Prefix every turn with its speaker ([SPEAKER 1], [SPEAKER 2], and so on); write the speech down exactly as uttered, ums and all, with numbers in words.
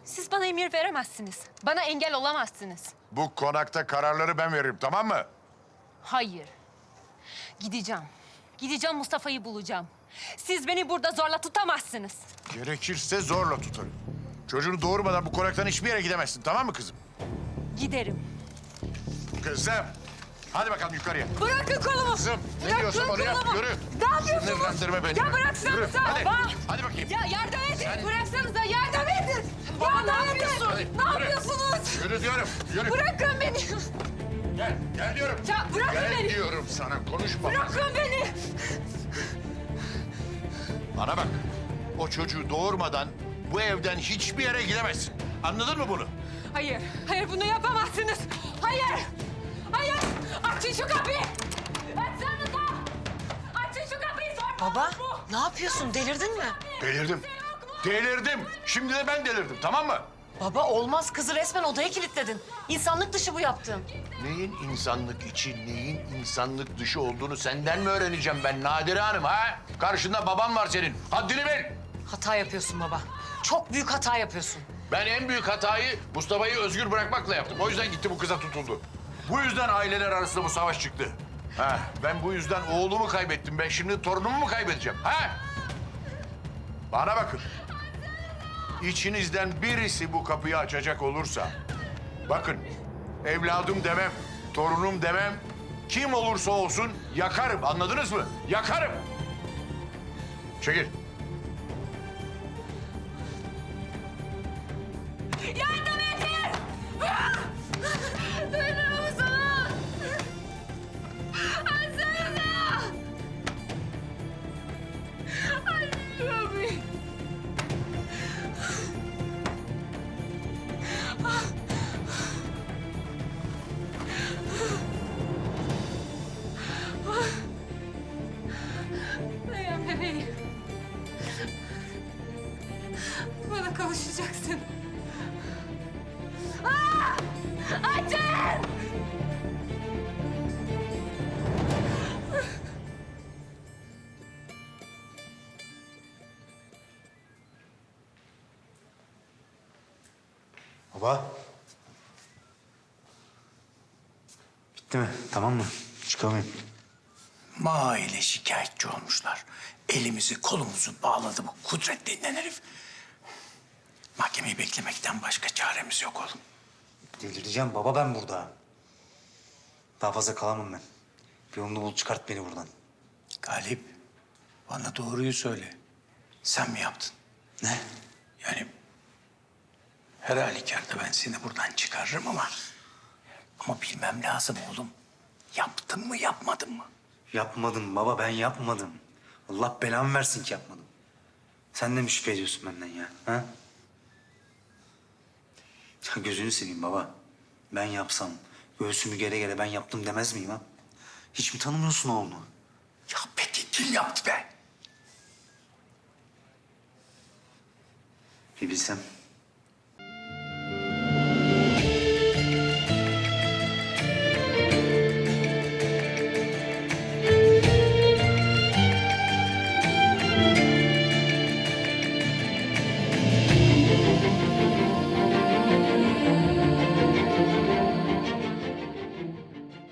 [SPEAKER 1] Siz bana emir veremezsiniz. Bana engel olamazsınız.
[SPEAKER 2] Bu konakta kararları ben veririm, tamam mı?
[SPEAKER 1] Hayır. Gideceğim. Gideceğim, Mustafa'yı bulacağım. Siz beni burada zorla tutamazsınız.
[SPEAKER 2] Gerekirse zorla tutarım. Çocuğunu doğurmadan bu konaktan hiçbir yere gidemezsin, tamam mı kızım?
[SPEAKER 1] Giderim.
[SPEAKER 2] Kızım, hadi bakalım yukarıya.
[SPEAKER 1] Bırakın kolumu.
[SPEAKER 2] Kızım, ne
[SPEAKER 1] Bırakın
[SPEAKER 2] diyorsun onu yap,
[SPEAKER 1] kolumu.
[SPEAKER 2] yürü.
[SPEAKER 1] Ne yapıyorsunuz?
[SPEAKER 2] Sinirlendirme beni.
[SPEAKER 1] Ya bıraksanıza.
[SPEAKER 2] Yürü, hadi.
[SPEAKER 1] Bak.
[SPEAKER 2] Hadi bakayım.
[SPEAKER 1] Ya yardım edin.
[SPEAKER 2] Sen-
[SPEAKER 1] Bıraksanıza, yardım edin. Ya ne yapıyorsun?
[SPEAKER 2] Hadi,
[SPEAKER 1] Ne
[SPEAKER 2] yürü.
[SPEAKER 1] yapıyorsunuz?
[SPEAKER 2] Yürü diyorum, yürü.
[SPEAKER 1] Bırakın beni.
[SPEAKER 2] Gel, gel diyorum.
[SPEAKER 1] Ya bırakın
[SPEAKER 2] gel
[SPEAKER 1] beni.
[SPEAKER 2] diyorum sana, konuşma.
[SPEAKER 1] Bırakın beni.
[SPEAKER 2] Bana bak, o çocuğu doğurmadan bu evden hiçbir yere gidemezsin. Anladın mı bunu?
[SPEAKER 1] Hayır, hayır bunu yapamazsınız. Hayır, hayır. Açın şu kapıyı. Açsanıza. Açın şu kapıyı. Sorma.
[SPEAKER 3] Baba, ne yapıyorsun? Delirdin mi?
[SPEAKER 2] Delirdim. Delirdim. Şimdi de ben delirdim, tamam mı?
[SPEAKER 3] Baba olmaz. Kızı resmen odaya kilitledin. İnsanlık dışı bu yaptığın.
[SPEAKER 2] Neyin insanlık içi, neyin insanlık dışı olduğunu senden mi öğreneceğim ben Nadire Hanım ha? Karşında babam var senin. Haddini bil.
[SPEAKER 3] Hata yapıyorsun baba. Çok büyük hata yapıyorsun.
[SPEAKER 2] Ben en büyük hatayı Mustafa'yı özgür bırakmakla yaptım. O yüzden gitti bu kıza tutuldu. Bu yüzden aileler arasında bu savaş çıktı. Ha, ben bu yüzden oğlumu kaybettim. Ben şimdi torunumu mu kaybedeceğim? Ha? Bana bakın. İçinizden birisi bu kapıyı açacak olursa... Bakın, evladım demem, torunum demem... Kim olursa olsun yakarım, anladınız mı? Yakarım. Çekil.
[SPEAKER 1] Yardım edin. Duymuyor musunuz? Açsanıza. Açın kapıyı. Dayan bebeğim. Bana kavuşacaksın. Aa! Açın!
[SPEAKER 4] Baba. Bitti mi? Tamam mı? Çıkamayayım.
[SPEAKER 5] Maile şikayetçi olmuşlar. Elimizi kolumuzu bağladı bu Kudret denilen herif. Mahkemeyi beklemekten başka çaremiz yok oğlum.
[SPEAKER 4] Delireceğim baba ben burada. Daha fazla kalamam ben. Bir yolunu bul çıkart beni buradan.
[SPEAKER 5] Galip, bana doğruyu söyle. Sen mi yaptın?
[SPEAKER 4] Ne?
[SPEAKER 5] Yani her halükarda ben seni buradan çıkarırım ama... Ama bilmem lazım oğlum. Yaptın mı yapmadın mı?
[SPEAKER 4] Yapmadım baba ben yapmadım. Allah belamı versin ki yapmadım. Sen de mi şüphe ediyorsun benden ya? Ha? Ya gözünü seveyim baba. Ben yapsam göğsümü gere gere ben yaptım demez miyim ha? Hiç mi tanımıyorsun oğlunu?
[SPEAKER 5] Ya peki kim yaptı be?
[SPEAKER 4] Bir bilsem.